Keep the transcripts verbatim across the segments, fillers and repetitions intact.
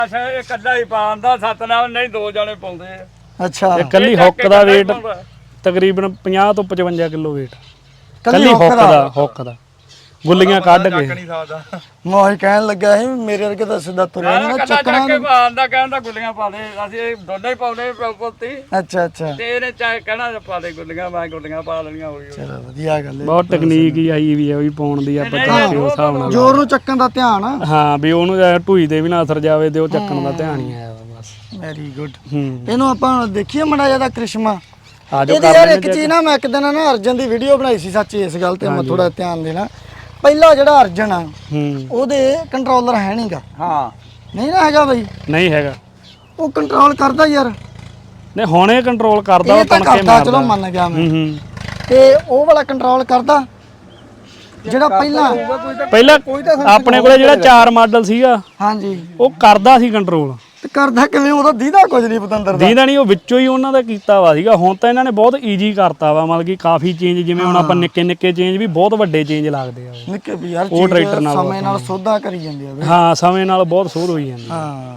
ਅੱਛਾ ਇਹ ਕੱਲਾ ਹੀ ਪਾਉਂਦਾ ਸਤਨਾਮ ਨਹੀਂ ਦੋ ਜਣੇ ਪਾਉਂਦੇ ਆ। ਅੱਛਾ ਕੱਲੀ ਹੁੱਕ ਦਾ weight ਤਕਰੀਬਨ ਪੰਜਾਹ ਤੋਂ ਪਚਵੰਜਾ ਕਿਲੋ weight ਕੱਲੀ ਹੁੱਕ ਦਾ ਹੁੱਕ ਦਾ ਗੁੱਲੀਆਂ ਕੱਢ ਕੇ ਮੈਂ ਕਹਿਣ ਲੱਗਾ ਸੀ ਮੇਰੇ ਵਰਗੇ ਤਾਂ ਸਿੱਧਾ ਤੁਰਿਆ ਨਹੀਂ ਨਾ ਚੱਕਣਾ ਕੇ ਪਾਉਂਦਾ ਕਹਿੰਦਾ ਗੁੱਲੀਆਂ ਪਾ ਦੇ ਅਸੀਂ ਦੋਨੇ ਹੀ ਪਾਉਨੇ ਪੁੱਤੀ। ਅੱਛਾ ਅੱਛਾ ਤੇ ਇਹਨੇ ਚਾਹ ਕਹਿਣਾ ਪਾ ਦੇ ਗੁੱਲੀਆਂ ਮੈਂ ਗੁੱਲੀਆਂ ਪਾ ਲੈਣੀਆਂ ਹੌਲੀ ਹੌਲੀ। ਚਲੋ ਵਧੀਆ ਗੱਲ ਹੈ। ਬਹੁਤ ਟੈਕਨੀਕ ਹੀ ਆਈ ਵੀ ਆ ਵੀ ਪਾਉਣ ਦੀ ਆਪਾਂ ਚਾਹੇ ਉਸ ਹਿਸਾਬ ਨਾਲ ਜ਼ੋਰ ਨੂੰ ਚੱਕਣ ਦਾ ਧਿਆਨ ਆ। ਹਾਂ ਵੀ ਉਹਨੂੰ ਢੂਈ ਤੇ ਵੀ ਨਾ ਅਸਰ ਜਾਵੇ ਤੇ ਉਹ ਚੱਕਣ ਦਾ ਧਿਆਨ ਹੀ ਆਇਆ ਬਸ। Very good. ਹੂੰ ਇਹਨੂੰ ਆਪਾਂ ਦੇਖੀਏ ਮੜਾ ਜਿਆਦਾ ਕ੍ਰਿਸ਼ਮਾ। ਆਜੋ ਇਹਦੀ ਯਾਰ ਇੱਕ ਚੀਜ਼ ਨਾ ਮੈਂ ਇੱਕ ਦਿਨ ਨਾ ਅਰਜਨ ਦੀ ਵੀਡੀਓ ਬਣਾਈ ਸੀ ਸੱਚ ਇਸ ਗੱਲ ਤੇ ਮੈਂ ਥੋੜਾ ਧਿਆਨ ਦੇਣਾ। ਪਹਿਲਾ ਜਿਹੜਾ ਅਰਜਨ ਆ ਹੂੰ ਉਹਦੇ ਕੰਟਰੋਲਰ ਹੈ ਨਹੀਂਗਾ। ਹਾਂ ਨਹੀਂ ਨਾ ਹੈਗਾ ਬਈ ਨਹੀਂ ਹੈਗਾ ਉਹ ਕੰਟਰੋਲ ਕਰਦਾ ਯਾਰ ਨਹੀਂ ਹੁਣ ਇਹ ਕੰਟਰੋਲ ਕਰਦਾ ਇਹ ਉਹ ਤਾਂ ਤਣਕੇ ਕਰਦਾ ਮਾਰਦਾ ਚਲੋ ਮੰਨ ਗਿਆ ਮੈਂ ਹੂੰ ਹੂੰ ਤੇ ਉਹ ਵਾਲਾ ਕੰਟਰੋਲ ਕਰਦਾ ਜਿਹੜਾ ਪਹਿਲਾਂ ਪਹਿਲਾਂ ਆਪਣੇ ਕੋਲੇ ਜਿਹੜਾ ਚਾਰ ਮਾਡਲ ਸੀਗਾ ਹਾਂਜੀ ਉਹ ਕਰਦਾ ਸੀ ਕੰਟਰੋਲ ਤੇ ਕਰਦਾ ਕਿਵੇਂ ਉਹਦਾ ਦੀਦਾ ਕੁਝ ਨਹੀਂ ਪਤੰਦਰ ਦਾ ਦੀਦਾ ਨਹੀਂ ਉਹ ਵਿੱਚੋਂ ਹੀ ਉਹਨਾਂ ਦਾ ਕੀਤਾ ਵਾ ਸੀਗਾ। ਹੁਣ ਤਾਂ ਇਹਨਾਂ ਨੇ ਬਹੁਤ ਈਜ਼ੀ ਕਰਤਾ ਵਾ ਮਤਲਬ ਕਿ ਕਾਫੀ ਚੇਂਜ ਜਿਵੇਂ ਹੁਣ ਆਪਾਂ ਨਿੱਕੇ ਨਿੱਕੇ ਚੇਂਜ ਵੀ ਬਹੁਤ ਵੱਡੇ ਚੇਂਜ ਲੱਗਦੇ ਆ ਨਿੱਕੇ ਵੀ ਯਾਰ ਉਹ ਟਰੈਕਟਰ ਨਾਲ ਸਮੇਂ ਨਾਲ ਸੋਧਾ ਕਰੀ ਜਾਂਦੇ ਆ ਹਾਂ ਸਮੇਂ ਨਾਲ ਬਹੁਤ ਸੋਧ ਹੋਈ ਜਾਂਦੀ ਹਾਂ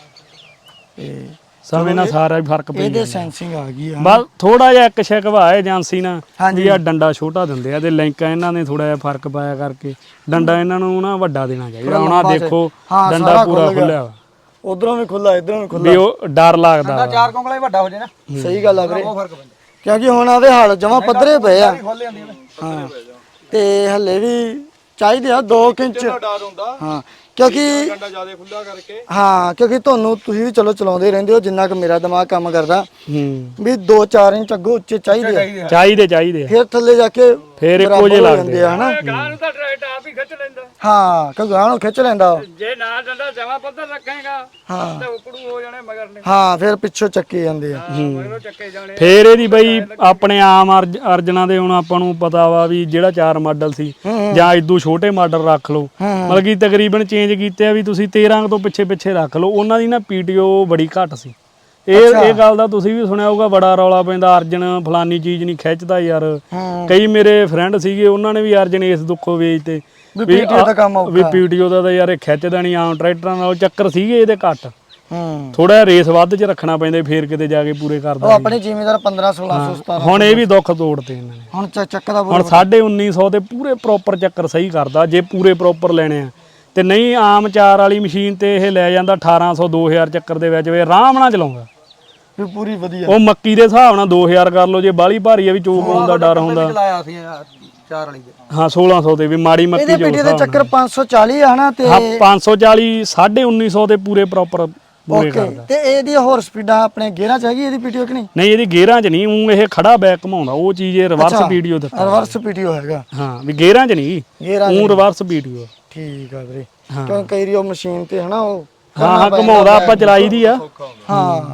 ਤੇ ਸਮੇਂ ਨਾਲ ਸਾਰਾ ਹੀ ਫਰਕ ਪੈ ਇਹਦੇ ਸੈਂਸਿੰਗ ਆ ਗਈ ਆ ਬਸ ਥੋੜਾ ਜਿਹਾ ਇੱਕ ਸ਼ਿਕਵਾ ਹੈ ਏਜੰਸੀ ਨਾਲ ਵੀ ਆ ਡੰਡਾ ਛੋਟਾ ਦਿੰਦੇ ਆ ਤੇ ਲਿੰਕਾਂ ਇਹਨਾਂ ਨੇ ਥੋੜਾ ਜਿਹਾ ਫਰਕ ਪਾਇਆ ਕਰਕੇ ਡੰਡਾ ਇਹਨਾਂ ਨੂੰ ਨਾ ਵੱਡਾ ਦੇਣਾ ਚਾਹੀਦਾ। ਹੁਣ ਆ ਦੇਖੋ ਡੰਡਾ ਪੂਰਾ ਖੁੱਲਿਆ ਵਾ ਉਧਰੋਂ ਵੀ ਖੁੱਲਾ ਇਧਰੋਂ ਵੀ ਖੁੱਲਾ ਵੀ ਉਹ ਡਰ ਲੱਗਦਾ ਵਾ। ਚਾਰ ਕੋਂਗਲਾ ਹੀ ਵੱਡਾ ਹੋ ਜੇ ਨਾ ਸਹੀ ਗੱਲ ਆ ਵੀਰੇ ਕਿਉਂਕਿ ਹੁਣ ਆਵੇ ਹਾਲ ਜਮਾ ਪੱਧਰੇ ਪਏ ਆ ਹਾਂ ਤੇ ਹੱਲੇ ਵੀ ਚਾਹੀਦੇ ਆ ਦੋ ਇੰਚ ਹਾਂ ਕਿਉਂਕਿ ਜਿਆਦਾ ਖੁੱਲਾ ਕਰਕੇ ਹਾਂ ਕਿਉਂਕਿ ਤੁਹਾਨੂੰ ਤੁਸੀਂ ਵੀ ਚਲੋ ਚਲਾਉਂਦੇ ਰਹਿੰਦੇ ਹੋ ਜਿੰਨਾ ਕਿ ਮੇਰਾ ਦਿਮਾਗ ਕੰਮ ਕਰਦਾ ਹੂੰ ਵੀ ਦੋ ਚਾਰ ਇੰਚ ਅੱਗੋਂ ਉੱਚੇ ਚਾਹੀਦੇ ਆ ਚਾਹੀਦੇ ਚਾਹੀਦੇ ਫਿਰ ਥੱਲੇ ਜਾ ਕੇ ਫੇਰ ਇੱਕੋ ਜਿਹੇ ਲੱਗਦੇ ਆ ਹਨਾ ਗਾਂ ਨੂੰ ਤਾਂ ਟਰੈਕਟਰ ਆਪ ਹੀ ਖਿੱਚ ਲੈਂਦਾ। ਹਾਂ ਕਿ ਗਾਂ ਨੂੰ ਖਿੱਚ ਲੈਂਦਾ ਜੇ ਨਾ ਡੰਡਾ ਜਮਾ ਪੱਧਰ ਰੱਖੇਗਾ ਹਾਂ ਤੇ ਉਕੜੂ ਹੋ ਜਾਣੇ ਮਗਰ ਨੇ ਹਾਂ ਫਿਰ ਪਿੱਛੋਂ ਚੱਕੇ ਜਾਂਦੇ ਆ ਮਗਰੋਂ ਚੱਕੇ ਜਾਣੇ। ਫੇਰ ਇਹਦੀ ਬਈ ਆਪਣੇ ਆਮ ਅਰਜ ਅਰਜਨਾਂ ਦੇ ਹੁਣ ਆਪਾਂ ਨੂੰ ਪਤਾ ਵਾ ਵੀ ਜਿਹੜਾ ਚਾਰ ਮਾਡਲ ਸੀ ਜਾਂ ਇਦੋਂ ਛੋਟੇ ਮਾਡਲ ਰੱਖ ਲਓ ਮਤਲਬ ਕਿ ਤਕਰੀਬਨ ਚੇਂਜ ਕੀਤੇ ਆ ਵੀ ਤੁਸੀਂ ਤੇਰਾਂ ਤੋਂ ਪਿੱਛੇ ਪਿੱਛੇ ਰੱਖ ਲਓ ਉਹਨਾਂ ਦੀ ਨਾ ਪੀਟੀਓ ਬੜੀ ਘੱਟ ਸੀ। ਇਹ ਇਹ ਗੱਲ ਦਾ ਤੁਸੀਂ ਵੀ ਸੁਣਿਆ ਹੋਊਗਾ ਬੜਾ ਰੌਲਾ ਪੈਂਦਾ ਅਰਜਨ ਫਲਾਨੀ ਚੀਜ਼ ਨਹੀਂ ਖਿੱਚਦਾ ਯਾਰ। ਕਈ ਮੇਰੇ ਫਰੈਂਡ ਸੀਗੇ ਉਹਨਾਂ ਨੇ ਵੀ ਅਰਜਨ ਇਸ ਦੁੱਖੋਂ ਵੇਚਤੇ ਵੀ ਪੀਟੀਓ ਦਾ ਕੰਮ ਵੀ ਪੀਟੀਓ ਦਾ ਤਾਂ ਯਾਰ ਇਹ ਖਿੱਚਦਾ ਨਹੀਂ ਆਮ ਟਰੈਕਟਰਾਂ ਨਾਲ ਚੱਕਰ ਸੀਗੇ ਇਹਦੇ ਘੱਟ ਹੂੰ ਥੋੜਾ ਰੇਸ ਵੱਧ ਚ ਰੱਖਣਾ ਪੈਂਦਾ ਫੇਰ ਕਿਤੇ ਜਾ ਕੇ ਪੂਰੇ ਕਰਦਾ। ਉਹ ਆਪਣੇ ਜ਼ਿਮੀਦਾਰ ਪੰਦਰਾਂ ਸੋਲਾਂ ਸੌ ਸਤਾਰਾਂ ਹੁਣ ਇਹ ਵੀ ਦੁੱਖ ਤੋੜਤੇ ਇਹਨਾਂ ਨੇ ਹੁਣ ਚੱਕਦਾ ਹੁਣ ਸਾਢੇ ਉੱਨੀ ਸੌ ਤੇ ਪੂਰੇ ਪ੍ਰੋਪਰ ਚੱਕਰ ਸਹੀ ਕਰਦਾ ਜੇ ਪੂਰੇ ਪ੍ਰੋਪਰ ਲੈਣੇ ਆ ਤੇ ਨਹੀਂ ਆਮ ਚਾਰ ਵਾਲੀ ਮਸ਼ੀਨ ਤੇ ਇਹ ਲੈ ਜਾਂਦਾ ਅਠਾਰਾਂ ਸੌ ਦੋ ਹਜ਼ਾਰ ਚੱਕਰ ਦੇ ਵਿੱਚ ਵੇ ਆਰਾਮ ਨਾਲ ਚਲਾਉਂਦਾ ਵੀ ਪੂਰੀ ਵਧੀਆ ਉਹ ਮੱਕੀ ਦੇ ਹਿਸਾਬ ਨਾਲ ਦੋ ਹਜ਼ਾਰ ਕਰ ਲਓ ਜੇ ਬਾਹਲੀ ਭਾਰੀ ਆ ਵੀ ਚੋਕ ਆਉਣ ਦਾ ਡਰ ਹੁੰਦਾ। ਚਲਾਇਆ ਸੀ ਚਾਰ ਵਾਲੀ ਦੇ ਹਾਂ ਸੋਲਾਂ ਸੌ ਤੇ ਵੀ ਮਾੜੀ ਮੱਕੀ ਇਹਦੇ ਪੀਟੀ ਦੇ ਚੱਕਰ ਪੰਜ ਸੌ ਚਾਲੀ ਆ ਹਨਾ ਤੇ ਹਾਂ ਪੰਜ ਸੌ ਚਾਲੀ ਸਾਢੇ ਉੱਨੀ ਸੌ ਤੇ ਪੂਰੇ ਪ੍ਰੋਪਰ ਪੂਰੇ ਕਰਦਾ। ਤੇ ਇਹਦੀ ਹੋਰ ਸਪੀਡਾਂ ਆਪਣੇ ਗੇਅਰਾਂ ਚ ਹੈਗੀ ਇਹਦੀ ਪੀਟੀਓ ਕਿ ਨਹੀਂ? ਨਹੀਂ ਇਹਦੀ ਗੇਅਰਾਂ ਚ ਨਹੀਂ ਉਹ ਇਹ ਖੜਾ ਬੈਕ ਘਮਾਉਂਦਾ ਉਹ ਚੀਜ਼ ਇਹ ਰਿਵਰਸ ਪੀਟੀਓ ਦਿੱਤਾ ਰਿਵਰਸ ਪੀਟੀਓ ਹੈਗਾ ਹਾਂ ਵੀ ਗੇਅਰਾਂ ਚ ਨਹੀਂ ਗੇਅਰਾਂ ਉਹ ਰਿਵਰਸ ਪੀਟੀਓ ਠੀਕ ਆ ਵੀਰੇ ਕਿਉਂ ਕਈ ਰੀ ਉਹ ਮਸ਼ੀਨ ਤੇ ਹਨਾ ਉਹ ਹਾਂ ਹਾਂ ਘਮਾਉਂਦਾ ਆਪਾਂ ਚਲਾਈ ਦੀ ਆ ਹਾਂ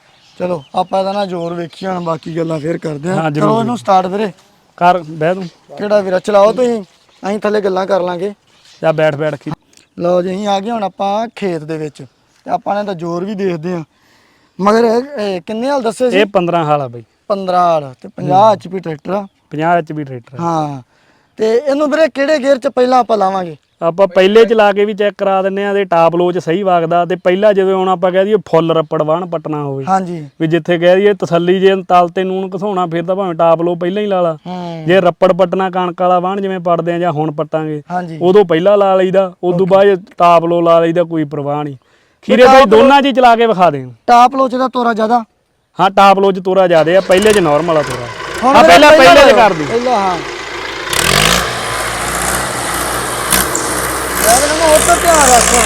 ਚਲੋ ਆਪਾਂ ਇਹਦਾ ਨਾ ਜ਼ੋਰ ਵੇਖੀ ਹੁਣ ਬਾਕੀ ਗੱਲਾਂ ਫੇਰ ਕਰਦੇ ਹਾਂ, ਆ ਜ਼ਰੂਰ। ਚਲੋ ਇਹਨੂੰ ਸਟਾਰਟ ਵੀਰੇ ਕਰ ਬਹਿ ਤੂੰ ਕਿਹੜਾ ਵੀਰਾ ਚਲਾਓ ਤੁਸੀਂ ਅਸੀਂ ਥੱਲੇ ਗੱਲਾਂ ਕਰ ਲਾਂਗੇ। ਜਾ ਬੈਠ ਬੈਠ ਕੇ ਲਓ ਜੀ ਅਸੀਂ ਆ ਗਏ ਹੁਣ ਆਪਾਂ ਖੇਤ ਦੇ ਵਿੱਚ ਤੇ ਆਪਾਂ ਨੇ ਤਾਂ ਜ਼ੋਰ ਵੀ ਦੇਖਦੇ ਆ ਮਗਰ ਇਹ ਕਿੰਨੇ ਹਾਲ ਦੱਸੇ ਸੀ? ਇਹ ਪੰਦਰਾਂ ਹਾਲ ਆ ਬਈ ਪੰਦਰਾਂ ਹਾਲ ਤੇ ਪੰਜਾਹ ਐਚਪੀ ਟਰੈਕਟਰ ਆ ਪੰਜਾਹ ਐਚ ਪੀ ਟਰੈਕਟਰ ਹਾਂ ਤੇ ਇਹਨੂੰ ਵੀਰੇ ਕਿਹੜੇ ਗੇਅਰ ਚ ਪਹਿਲਾਂ ਆਪਾਂ ਲਾਵਾਂਗੇ? ਆਪਾਂ ਪਹਿਲੇ ਚਲਾ ਕੇ ਵੀ ਚੈੱਕ ਕਰਾ ਦਿੰਨੇ ਆ ਤੇ ਟਾਪ ਲੋ ਚ ਸਹੀ ਵਗਦਾ ਤੇ ਪਹਿਲਾਂ ਜਦੋਂ ਹੁਣ ਆਪਾਂ ਕਹਿ ਦਈਏ ਫੁੱਲ ਰੱਪੜ ਵਾਹਣ ਪਟਣਾ ਹੋਵੇ ਹਾਂਜੀ ਵੀ ਜਿੱਥੇ ਕਹਿ ਦਈਏ ਤਸੱਲੀ ਜੇ ਤਲ ਤੇ ਨੂਨ ਘਸਾਉਣਾ ਫਿਰ ਤਾਂ ਭਾਵੇਂ ਟਾਪ ਲੋ ਪਹਿਲਾਂ ਹੀ ਲਾ ਲਾ ਹੂੰ ਜੇ ਰੱਪੜ ਪਟਣਾ ਕਣਕ ਵਾਲਾ ਵਾਹਣ ਜਿਵੇਂ ਪੜਦੇ ਆ ਜਾਂ ਹੁਣ ਪਟਾਂਗੇ ਹਾਂਜੀ ਉਦੋਂ ਪਹਿਲਾਂ ਲਾ ਲਈਦਾ ਉਦੋਂ ਬਾਅਦ ਟਾਪ ਲੋ ਲਾ ਲਈਦਾ ਕੋਈ ਪਰਵਾਹ ਨਹੀਂ। ਖੀਰੇ ਬਾਈ ਦੋਨਾਂ 'ਚ ਹੀ ਚਲਾ ਕੇ ਵਿਖਾ ਦੇ। ਟਾਪ ਲੋਚ ਦਾ ਤੋਰਾ ਜ਼ਿਆਦਾ ਹਾਂ ਟਾਪ ਲੋ 'ਚ ਤੋਰਾ ਜ਼ਿਆਦੇ ਆ ਪਹਿਲੇ 'ਚ ਨਾਰਮਲ ਆ ਤੋਰਾ ਹੁਣ ਆ ਪਹਿਲਾਂ ਪਹਿਲੇ 'ਚ ਕਰ ਦੀ ਪਹਿਲਾਂ ਹਾਂ ਯਾਰ ਨੂੰ ਹੋਰ ਤਾਂ ਧਿਆਨ ਰੱਖੋ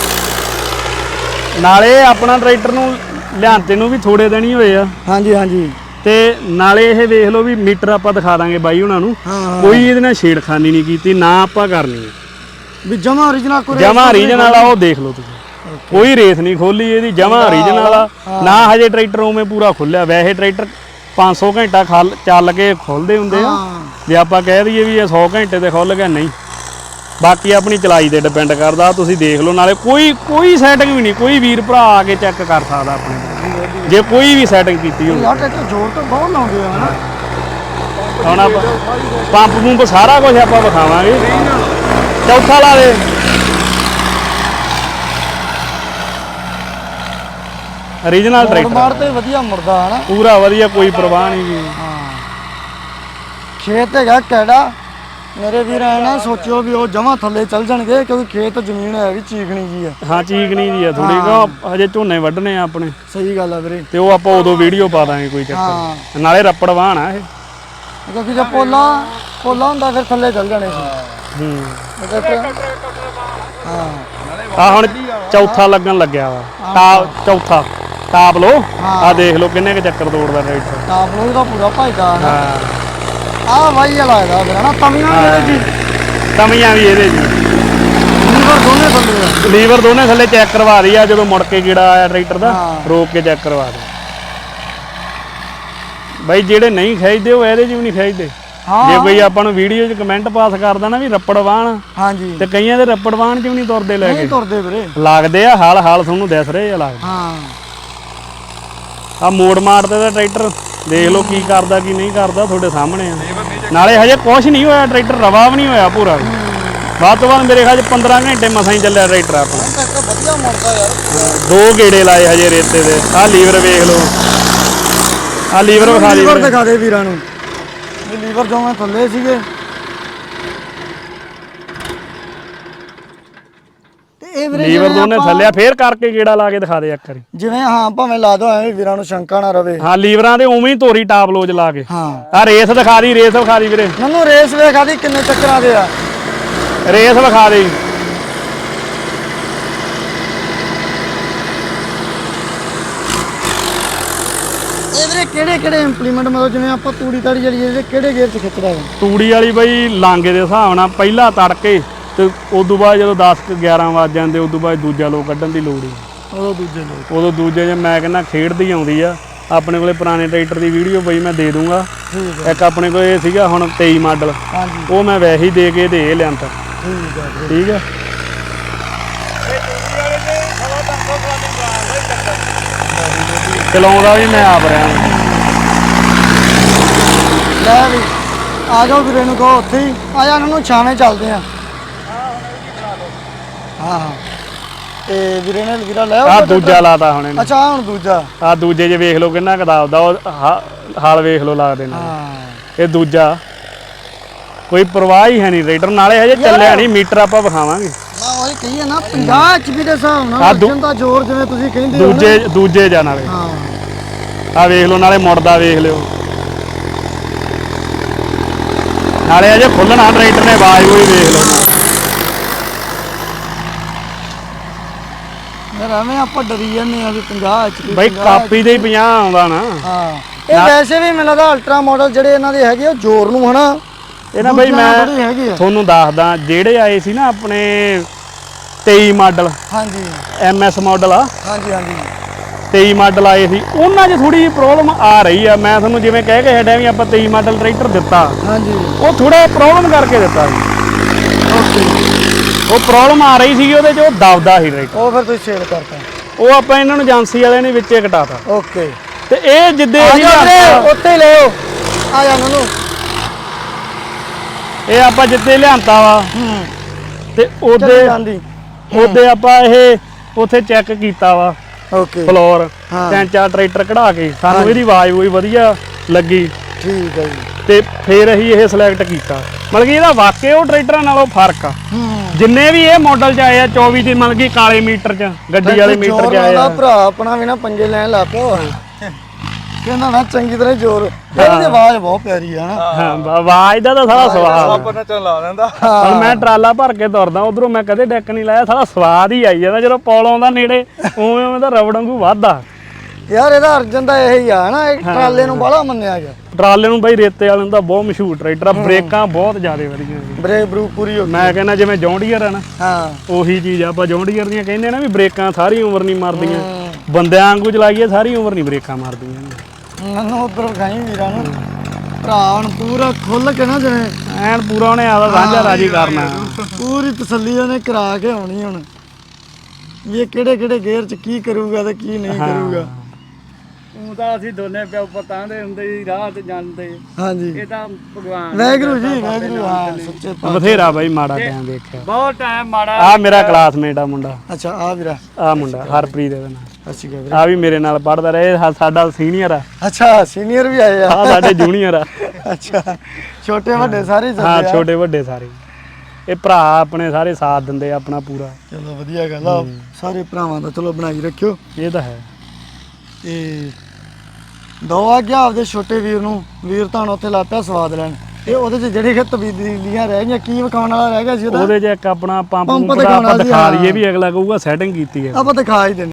ਨਾਲੇ ਆਪਣਾ ਟਰੈਕਟਰ ਨੂੰ ਲਿਆਂਤੇ ਨੂੰ ਵੀ ਥੋੜੇ ਦਿਨ ਹੀ ਹੋਏ ਆ ਹਾਂਜੀ ਹਾਂਜੀ ਤੇ ਨਾਲੇ ਇਹ ਵੇਖ ਲਓ ਵੀ ਮੀਟਰ ਆਪਾਂ ਦਿਖਾ ਦਾਂਗੇ ਬਾਈ ਉਹਨਾਂ ਨੂੰ ਕੋਈ ਇਹਦੇ ਨਾਲ ਛੇੜਖਾਨੀ ਨਹੀਂ ਕੀਤੀ ਨਾ ਆਪਾਂ ਕਰਨੀ ਵੀ ਜਮਾ origignal ਕੋਈ ਜਮਾ ਰੀਜਨ ਵਾਲਾ ਉਹ ਦੇਖ ਲਓ ਤੁਸੀਂ ਕੋਈ ਰੇਸ ਨਹੀਂ ਖੋਲੀ ਇਹਦੀ ਜਮਾ ਰੀਜਨ ਵਾਲਾ ਨਾ ਹਜੇ ਟਰੈਕਟਰ ਉਵੇਂ ਪੂਰਾ ਖੁੱਲਿਆ ਵੈਸੇ ਟਰੈਕਟਰ ਪੰਜ ਸੌ ਘੰਟਾ ਖਲ ਚੱਲ ਕੇ ਖੁੱਲਦੇ ਹੁੰਦੇ ਆ ਜੇ ਆਪਾਂ ਕਹਿ ਦਈਏ ਵੀ ਇਹ ਸੌ ਘੰਟੇ ਤੇ ਖੁੱਲ ਗਿਆ ਨਹੀਂ ਬਾਕੀ ਆਪਣੀ ਚਲਾਈ ਤੇ ਡਿਪੈਂਡ ਕਰਦਾ ਤੁਸੀਂ ਦੇਖ ਲਓ ਨਾਲੇ ਕੋਈ ਕੋਈ ਸੈਟਿੰਗ ਵੀ ਨਹੀਂ ਕੋਈ ਵੀਰ ਭਰਾ ਆ ਕੇ ਚੈੱਕ ਕਰ ਸਕਦਾ ਆਪਣੇ ਜੇ ਕੋਈ ਵੀ ਸੈਟਿੰਗ ਕੀਤੀ ਹੋਵੇ। ਯਾਰ ਟਰੈਕਟਰ ਜ਼ੋਰ ਤਾਂ ਬਹੁਤ ਲਾਉਂਦੇ ਆ ਹਨਾ ਹੁਣ ਆਪਾਂ ਪੰਪ ਪੰਪ ਸਾਰਾ ਕੁਝ ਆਪਾਂ ਵਿਖਾਵਾਂਗੇ ਚੌਥਾ ਲਾ ਦੇ ਓਰੀਜਨਲ ਟਰੈਕਟਰ ਮਾਰ ਤੇ ਵਧੀਆ ਮੁੜਦਾ ਹਨਾ ਪੂਰਾ ਵਧੀਆ ਕੋਈ ਪਰਵਾਹ ਨਹੀਂ ਜੀ ਹਾਂ ਖੇਤ ਹੈਗਾ ਕਿਹੜਾ ਮੇਰੇ ਵੀਰ ਐ ਨਾ ਸੋਚਿਓ ਵੀ ਉਹ ਜਮਾਂ ਥੱਲੇ ਚੱਲ ਜਾਣਗੇ ਕਿਉਂਕਿ ਖੇਤ ਜ਼ਮੀਨ ਹੈ ਵੀ ਚੀਕਣੀ ਜੀ ਆ ਹਾਂ ਚੀਕਣੀ ਜੀ ਆ ਥੋੜੀ ਕਿਉਂ ਹਜੇ ਝੋਨੇ ਵੱਢਣੇ ਆ ਆਪਣੇ ਸਹੀ ਗੱਲ ਆ ਵੀਰੇ ਤੇ ਉਹ ਆਪਾਂ ਉਦੋਂ ਵੀਡੀਓ ਪਾ ਦਾਂਗੇ ਕੋਈ ਚੱਕਰ ਨਾਲੇ ਰੱਪੜ ਵਾਹਣ ਆ ਇਹ ਕਿਉਂਕਿ ਜੇ ਪੋਲਾ ਪੋਲਾ ਹੁੰਦਾ ਫਿਰ ਥੱਲੇ ਚੱਲ ਜਾਣੇ ਸੀ ਹੂੰ ਹਾਂ ਆ ਹੁਣ ਚੌਥਾ ਲੱਗਣ ਲੱਗਿਆ ਵਾ ਟਾਪ ਚੌਥਾ ਟਾਪ ਲੋ ਆ ਦੇਖ ਲਓ ਕਿੰਨੇ ਕ ਚੱਕਰ ਤੋੜਦਾ ਟਰੈਕਟਰ ਟਾਪ ਲੋ ਦਾ ਪੂਰਾ ਭਾਈਦਾ ਹਾਂ ਆ ਵਾਈ ਲੱਗਦਾ ਫਿਰ ਹਨਾ ਤਮੀਆਂ ਵੀ ਇਹਦੇ ਜੀ ਤਮੀਆਂ ਵੀ ਇਹਦੇ ਜੀ ਲੀਵਰ ਦੋਨੇ ਥੱਲੇ ਲੀਵਰ ਦੋਨੇ ਥੱਲੇ ਚੈੱਕ ਕਰਵਾ ਰਹੀ ਆ ਜਦੋਂ ਮੁੜ ਕੇ ਕੀੜਾ ਆਇਆ ਟਰੈਕਟਰ ਦਾ ਰੋਕ ਕੇ ਚੈੱਕ ਕਰਵਾ ਦੇ ਬਾਈ ਜਿਹੜੇ ਨਹੀਂ ਖਿੱਚਦੇ ਉਹ ਇਹਦੇ 'ਚ ਵੀ ਨਹੀਂ ਖਿੱਚਦੇ ਜੇ ਕੋਈ ਆਪਾਂ ਨੂੰ ਵੀਡੀਓ 'ਚ ਕਮੈਂਟ ਪਾਸ ਕਰਦਾ ਨਾ ਵੀ ਰੱਪੜ ਵਾਹਣ ਹਾਂਜੀ ਤੇ ਕਈਆਂ ਦੇ ਰੱਪੜ ਵਾਹਣ 'ਚ ਵੀ ਨਹੀਂ ਤੁਰਦੇ ਲੈ ਕੇ ਨਹੀਂ ਤੁਰਦੇ ਵੀਰੇ ਲੱਗਦੇ ਆ ਹਾਲ ਹਾਲ ਤੁਹਾਨੂੰ ਦਿਸ ਰਹੇ ਆ ਲੱਗਦੇ ਹਾਂ ਆ ਮੋੜ ਮਾਰਦੇ ਦਾ ਟਰੈਕਟਰ ਦੇਖ ਲਓ ਕੀ ਕਰਦਾ ਕੀ ਨਹੀਂ ਕਰਦਾ ਤੁਹਾਡੇ ਸਾਹਮਣੇ ਆ ਨਾਲੇ ਹਜੇ ਕੁਛ ਨਹੀਂ ਹੋਇਆ ਟਰੈਕਟਰ ਰਵਾ ਵੀ ਨਹੀਂ ਹੋਇਆ ਪੂਰਾ ਬਾਅਦ ਤੋਂ ਬਾਅਦ ਮੇਰੇ ਖਿਆਲ 'ਚ ਪੰਦਰਾਂ ਘੰਟੇ ਮਸਾਂ ਹੀ ਚੱਲਿਆ ਟਰੈਕਟਰ ਆਪਣਾ ਵਧੀਆ ਮੁੜਦਾ ਯਾਰ ਦੋ ਗੇੜੇ ਲਾਏ ਹਜੇ ਰੇਤੇ ਦੇ ਆ ਲੀਵਰ ਵੇਖ ਲਓ ਆ ਲੀਵਰ ਵਿਖਾ ਦੇ ਲੀਵਰ ਦਿਖਾ ਦੇ ਵੀਰਾਂ ਨੂੰ ਇਹ ਲੀਵਰ ਦੋਵੇਂ ਥੱਲੇ ਸੀਗੇ ਤੇ ਇਹ ਵੀਰੇ ਲੀਵਰ ਦੋਨੇ ਥੱਲੇ ਫੇਰ ਕਰਕੇ ਗੇੜਾ ਲਾ ਕੇ ਦਿਖਾ ਦੇ ਇੱਕ ਵਾਰੀ ਜਿਵੇਂ ਹਾਂ ਭਾਵੇਂ ਲਾ ਦੋ ਐਵੇਂ ਵੀਰਾਂ ਨੂੰ ਸ਼ੰਕਾ ਨਾ ਰਵੇ ਹਾਂ ਲੀਵਰਾਂ ਦੇ ਉਵੇਂ ਹੀ ਤੋਰੀ ਟਾਪ ਲੋਜ ਲਾ ਕੇ ਹਾਂ ਆ ਰੇਸ ਦਿਖਾ ਦੀ ਰੇਸ ਵਿਖਾ ਦੀ ਵੀਰੇ ਮੈਨੂੰ ਰੇਸ ਵੇਖਾ ਦੀ ਕਿੰਨੇ ਚੱਕਰਾਂ ਦੇ ਆ ਰੇਸ ਵਿਖਾ ਦੇ ਇਹ ਵੀਰੇ ਕਿਹੜੇ ਕਿਹੜੇ ਇੰਪਲੀਮੈਂਟ ਮਤਲਬ ਜਿਵੇਂ ਆਪਾਂ ਤੂੜੀ ਤਾੜੀ ਜਿਹੜੀ ਇਹਦੇ ਕਿਹੜੇ ਗੇਅਰ 'ਚ ਖਿੱਚਦਾ ਹੈ ਤੂੜੀ ਵਾਲੀ ਬਈ ਲਾਂਗੇ ਦੇ ਹਿਸਾਬ ਨਾਲ ਪਹਿਲਾ ਤੜਕੇ ਤੇ ਉਦੋਂ ਬਾਅਦ ਜਦੋਂ ਦਸ ਕੁ ਗਿਆਰਾਂ ਵੱਜ ਜਾਂਦੇ ਉਦੋਂ ਬਾਅਦ ਦੂਜਾ ਲੋ ਕੱਢਣ ਦੀ ਲੋੜ ਹੀ ਉਦੋਂ ਦੂਜੇ ਲੋਕ ਉਦੋਂ ਦੂਜੇ ਜੇ ਮੈਂ ਕਹਿੰਦਾ ਖੇਡਦੀ ਆਉਂਦੀ ਆ ਆਪਣੇ ਕੋਲੇ ਪੁਰਾਣੇ ਟਰੈਕਟਰ ਦੀ ਵੀਡੀਓ ਬਈ ਮੈਂ ਦੇ ਦੂੰਗਾ ਇੱਕ ਆਪਣੇ ਕੋਲ ਇਹ ਸੀਗਾ ਹੁਣ ਤੇਈ ਮਾਡਲ ਹਾਂਜੀ ਉਹ ਮੈਂ ਵੈਸੇ ਹੀ ਦੇ ਕੇ ਤੇ ਇਹ ਲਿਆਂਤਾ ਠੀਕ ਹੈ ਠੀਕ ਆ ਚਲਾਉਂਦਾ ਵੀ ਮੈਂ ਆਪ ਰਿਹਾ ਲੈ ਵੀ ਆ ਜਾਓ ਵੀਰੇ ਨੂੰ ਕਹੋ ਉੱਥੇ ਹੀ ਆ ਜਾ ਇਹਨਾਂ ਨੂੰ ਛਾਵੇਂ ਚੱਲਦੇ ਆ ਹਾਂ ਹਾਂ ਤੇ ਵੀਰੇ ਨੇ ਵੀਰਾ ਲੈ ਆ ਦੂਜਾ ਲਾਤਾ ਹੁਣ ਇਹਨੇ ਅੱਛਾ ਆਹ ਹੁਣ ਦੂਜਾ ਆ ਦੂਜੇ 'ਚ ਵੇਖ ਲਓ ਕਿੰਨਾ ਕਦਾਬਦਾ ਉਹ ਹਾ- ਹਾਲ ਵੇਖ ਲਓ ਲੱਗਦੇ ਨੇ ਹਾਂ ਇਹ ਦੂਜਾ ਕੋਈ ਪਰਵਾਹ ਹੀ ਹੈ ਨਹੀਂ ਰੇਡਰ ਨਾਲੇ ਹਜੇ ਚੱਲਿਆ ਨਹੀਂ ਮੀਟਰ ਆਪਾਂ ਵਿਖਾਵਾਂਗੇ ਮੈਂ ਉਹੀ ਕਹੀ ਹੈ ਨਾ ਪੰਜਾਹ ਐਚਪੀ ਦੇ ਹਿਸਾਬ ਨਾਲ ਅਰਜਨ ਦਾ ਜ਼ੋਰ ਜਿਵੇਂ ਤੁਸੀਂ ਕਹਿੰਦੇ ਹੋ ਦੂਜੇ ਦੂਜੇ ਜਾ ਨਾਲੇ ਹਾਂ ਆ ਵੇਖ ਲਓ ਨਾਲੇ ਮੁੜਦਾ ਵੇਖ ਲਿਓ ਨਾਲੇ ਅਜੇ ਖੁੱਲਣਾ ਟਰੈਕਟਰ ਨੇ ਆਵਾਜ਼ ਹੋਈ ਵੇਖ ਲਓ ਯਾਰ ਐਵੇਂ ਆਪਾਂ ਡਰੀ ਜਾਂਦੇ ਆ ਵੀ ਪੰਜਾਹ ਐਚਪੀ ਬਾਈ ਕਾਪੀ ਦੇ ਹੀ ਪੰਜਾਹ ਆਉਂਦਾ ਨਾ ਹਾਂ ਇਹ ਵੈਸੇ ਵੀ ਮੈਨੂੰ ਲੱਗਦਾ ਅਲਟਰਾ ਮਾਡਲ ਜਿਹੜੇ ਇਹਨਾਂ ਦੇ ਹੈਗੇ ਉਹ ਜ਼ੋਰ ਨੂੰ ਹਨਾ ਇਹ ਨਾ ਬਈ ਮੈਂ ਹੈਗੇ ਆ ਤੁਹਾਨੂੰ ਦੱਸਦਾ ਜਿਹੜੇ ਆਏ ਸੀ ਨਾ ਆਪਣੇ ਤੇਈ ਮਾਡਲ ਹਾਂਜੀ ਐਮ ਐਸ ਮਾਡਲ ਆ ਹਾਂਜੀ ਹਾਂਜੀ ਤੇਈ ਮਾਡਲ ਆਏ ਸੀ ਉਹਨਾਂ 'ਚ ਥੋੜੀ ਜਿਹੀ ਪ੍ਰੋਬਲਮ ਆ ਰਹੀ ਆ ਮੈਂ ਤੁਹਾਨੂੰ ਜਿਵੇਂ ਕਹਿ ਕੇ ਹਟਿਆ ਵੀ ਆਪਾਂ ਤੇਈ ਮਾਡਲ ਟਰੈਕਟਰ ਦਿੱਤਾ ਹਾਂਜੀ ਉਹ ਥੋੜਾ ਪ੍ਰੋਬਲਮ ਕਰਕੇ ਦਿੱਤਾ ਸੀ ਓਕੇ ਉਹ ਪ੍ਰੋਬਲਮ ਆ ਰਹੀ ਸੀ ਉਹਦੇ 'ਚ ਉਹ ਦਬਦਾ ਸੀ ਟਰੈਕਟਰ ਉਹ ਫਿਰ ਤੁਸੀਂ ਸੇਲ ਕਰਤਾ ਉਹ ਆਪਾਂ ਇਹਨਾਂ ਨੂੰ ਏਜੰਸੀ ਵਾਲਿਆਂ ਨੇ ਵਿੱਚੇ ਘਟਾਤਾ ਓਕੇ ਤੇ ਇਹ ਜਿੱਦੇ ਆ ਅਸੀਂ ਜਾ ਵੀਰੇ ਲਿਆਂਦਾ- ਉੱਥੇ ਹੀ ਲਿਓ ਆ ਜਾ ਨਨੂ ਇਹ ਆਪਾਂ ਜਿੱਦੇ ਲਿਆਂਤਾ ਵਾ ਹੂੰ ਤੇ ਉਹਦੇ ਚੱਲੀ ਜਾਂਦੀ ਉਹਦੇ ਆਪਾਂ ਇਹ ਉੱਥੇ ਚੈੱਕ ਕੀਤਾ ਵਾ ਓਕੇ ਫਲੋਰ ਹਾਂ। ਤਿੰਨ ਚਾਰ ਟਰੈਕਟਰ ਕਢਾ ਕੇ ਸਾਨੂੰ ਇਹਦੀ ਆਵਾਜ਼ ਕੋਈ ਵਧੀਆ ਲੱਗੀ ਠੀਕ ਹੈ ਜੀ ਤੇ ਫਿਰ ਅਸੀਂ ਇਹ ਸਿਲੈਕਟ ਕੀਤਾ ਮਤਲਬ ਕਿ ਇਹਦਾ ਵਾਕਿਆ ਉਹ ਟਰੈਕਟਰਾਂ ਨਾਲੋਂ ਫਰਕ ਆ ਹੂੰ ਜਿੰਨੇ ਵੀ ਇਹ ਮਾਡਲ ਚ ਆਏ ਆ ਚੌਵੀ ਦੇ ਮਤਲਬ ਕਿ ਕਾਲੇ ਮੀਟਰ ਚ ਗੱਡੀ ਵਾਲੇ ਮੀਟਰ ਚ ਆਏ ਆ ਭਰਾ ਆਪਣਾ ਵੀ ਨਾ ਪੰਜੇ ਲੈਣ ਲੱਗ ਪਿਆ ਕਹਿੰਦਾ ਨਾ ਚੰਗੀ ਤਰ੍ਹਾਂ ਜ਼ੋਰ ਇਹਦੀ ਆਵਾਜ਼ ਬਹੁਤ ਪਿਆਰੀ ਆ ਨਾ ਹਾਂ ਆਵਾਜ਼ ਦਾ ਤਾਂ ਸਾਰਾ ਸਵਾਦ ਆਪਾਂ ਨਾ ਚਲਾ ਲੈਂਦਾ ਹੁਣ ਮੈਂ ਟਰਾਲਾ ਭਰ ਕੇ ਤੁਰਦਾ ਉਧਰੋਂ ਮੈਂ ਕਦੇ ਡੈਕ ਨਹੀਂ ਲਾਇਆ ਸਾਰਾ ਸਵਾਦ ਹੀ ਆਈ ਜਾਂਦਾ ਜਦੋਂ ਪੌਲ ਆਉਂਦਾ ਨੇੜੇ ਉਵੇਂ ਉਵੇਂ ਦਾ ਰਬੜ ਵਾਂਗੂ ਵੱਧਦਾ ਯਾਰ ਇਹਦਾ ਅਰਜਨ ਦਾ ਇਹੀ ਆ ਨਾ ਇਹ ਟਰਾਲੇ ਨੂੰ ਬਾਹਲਾ ਮੰਨਿਆ ਗਿਆ ਟਰਾਲੇ ਨੂੰ ਬਾਈ ਰੇਤੇ ਵਾਲੇ ਨੂੰ ਤਾਂ ਬਹੁਤ ਮਸ਼ਹੂਰ ਟਰੈਕਟਰ ਆ ਬ੍ਰੇਕਾਂ ਬਹੁਤ ਜ਼ਿਆਦਾ ਵਧੀਆ ਨੇ ਬ੍ਰੇਕ ਬਰੂ ਪੂਰੀ ਹੋ ਗਈ ਮੈਂ ਕਹਿੰਦਾ ਜਿਵੇਂ ਜੌਂਡੀਅਰ ਆ ਨਾ ਹਾਂ ਉਹੀ ਚੀਜ਼ ਆ ਆਪਾਂ ਜੌਂਡੀਅਰ ਦੀਆਂ ਕਹਿੰਦੇ ਨਾ ਵੀ ਬ੍ਰੇਕਾਂ ਸਾਰੀ ਉਮਰ ਨਹੀਂ ਮਾਰਦੀਆਂ ਬੰਦਿਆਂ ਵਾਂਗੂ ਚਲਾਈਏ ਸਾਰੀ ਉਮਰ ਨਹੀਂ ਬ੍ਰੇਕਾਂ ਮਾਰਦੀਆਂ ਮੈਨੂੰ ਉਧਰ ਖਾਈ ਵੀਰਾਂ ਨੂੰ ਭਰਾ ਹੁਣ ਪੂਰਾ ਖੁੱਲ ਕੇ ਨਾ ਜਿਵੇਂ ਐਨ ਪੂਰਾ ਉਹਨੇ ਆਦਾ ਸਾਂਝਾ ਰਾਜੀ ਕਰਨਾ ਪੂਰੀ ਤਸੱਲੀ ਉਹਨੇ ਕਰਾ ਕੇ ਆਉਣੀ ਹੁਣ ਵੀ ਇਹ ਕਿਹੜੇ ਕਿਹੜੇ ਗੇਅਰ ਚ ਕੀ ਕਰੂਗਾ ਤੇ ਕੀ ਨਹੀਂ ਕਰੂਗਾ ਉਹ ਤਾਂ ਅਸੀਂ ਦੋਨੇ ਪਿਓ ਪਤਾਂ ਦੇ ਹੁੰਦੇ ਸੀ ਰਾਹ ਤੇ ਜਾਂਦੇ ਹਾਂਜੀ ਇਹ ਤਾਂ ਭਗਵਾਨ ਵੈਗਰੂ ਜੀ ਵੈਗਰੂ ਹਾਂ ਸੱਚੇ ਪਾ ਬਥੇਰਾ ਬਾਈ ਮਾੜਾ ਟਾਈਮ ਦੇਖਿਆ ਬਹੁਤ ਟਾਈਮ ਮਾੜਾ ਆ ਮੇਰਾ ਕਲਾਸਮੇਟ ਆ ਮੁੰਡਾ ਅੱਛਾ ਆ ਵੀਰਾ ਆ ਮੁੰਡਾ ਹਰਪ੍ਰੀਤ ਇਹਦਾ ਨਾਮ ਅੱਛੀ ਗੱਲ ਆ ਵੀ ਮੇਰੇ ਨਾਲ ਪੜਦਾ ਰਿਹਾ ਇਹ ਸਾਡਾ ਸੀਨੀਅਰ ਆ। ਅੱਛਾ ਸੀਨੀਅਰ ਵੀ ਆਏ ਆ ਆ ਸਾਡੇ ਜੂਨੀਅਰ ਆ। ਅੱਛਾ ਛੋਟੇ ਵੱਡੇ ਸਾਰੇ ਹੀ ਹਾਂ ਚੱਲਦੇ ਆ। ਛੋਟੇ ਵੱਡੇ ਸਾਰੇ ਇਹ ਭਰਾ ਆਪਣੇ ਸਾਰੇ ਸਾਥ ਦਿੰਦੇ ਆ ਆਪਣਾ ਪੂਰਾ। ਚਲੋ ਵਧੀਆ ਗੱਲ ਆ ਸਾਰੇ ਭਰਾਵਾਂ ਦਾ ਚਲੋ ਬਣਾਈ ਰੱਖਿਓ। ਇਹ ਤਾਂ ਹੈ। ਤੇ ਦੋ ਆ ਗਿਆ ਆਪਦੇ ਛੋਟੇ ਵੀਰ ਨੂੰ ਵੀਰ ਤਾਂ ਉੱਥੇ ਲਾ ਪਿਆ ਸਵਾਦ ਲੈਣ ਤੇ ਉਹਦੇ ਚ ਜਿਹੜੇ ਕਿ ਤਬਦੀਲੀਆਂ ਰਹਿ ਗਈਆਂ ਕੀ ਵਿਖਾਉਣ ਵਾਲਾ ਰਹਿ ਗਿਆ ਸੀ ਉਹਦਾ ਉਹਦੇ 'ਚ ਇੱਕ ਆਪਣਾ ਪੰਪ ਪੰਪ ਪੰਪ ਦਾ ਦਿਖਾਉਣਾ ਆਪਾਂ ਸੀ, ਦਿਖਾ ਹਾਂ। ਲਈਏ ਵੀ ਅਗਲਾ ਕਹੂਗਾ ਸੈਟਿੰਗ ਕੀਤੀ ਹੈ। ਆਪਾਂ ਦਿਖਾ ਹੀ ਦਿੰਦੇ